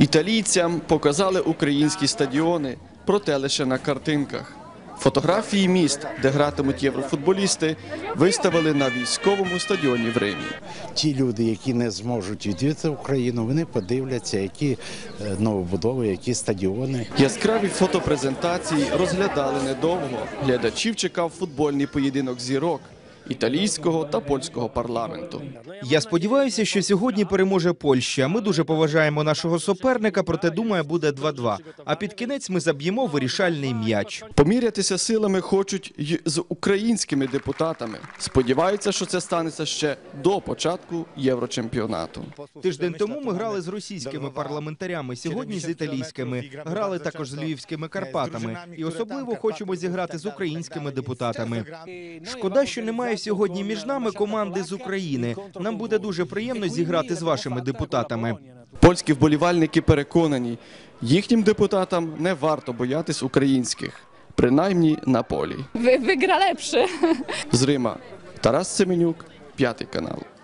Італійцям показали українські стадіони, проте лише на картинках. Фотографії міст, де гратимуть єврофутболісти, виставили на військовому стадіоні в Римі. Ті люди, які не зможуть відвідати Україну, вони подивляться, які новобудови, які стадіони. Яскраві фотопрезентації розглядали недовго. Глядачів чекав футбольний поєдинок зірок італійського та польського парламенту. Я сподіваюся, що сьогодні переможе Польща. Ми дуже поважаємо нашого суперника, проте, думаю, буде 2-2. А під кінець ми заб'ємо вирішальний м'яч. Помірятися силами хочуть й з українськими депутатами. Сподіваються, що це станеться ще до початку Єврочемпіонату. Тиждень тому ми грали з російськими парламентарями, сьогодні з італійськими. Грали також з львівськими Карпатами. І особливо хочемо зіграти з українськими депутатами. Шкода, що немає сьогодні між нами команди з України. Нам буде дуже приємно зіграти з вашими депутатами. Польські вболівальники переконані, їхнім депутатам не варто боятись українських, принаймні на полі. Wygra lepszy. З Рима Тарас Семенюк, 5 канал.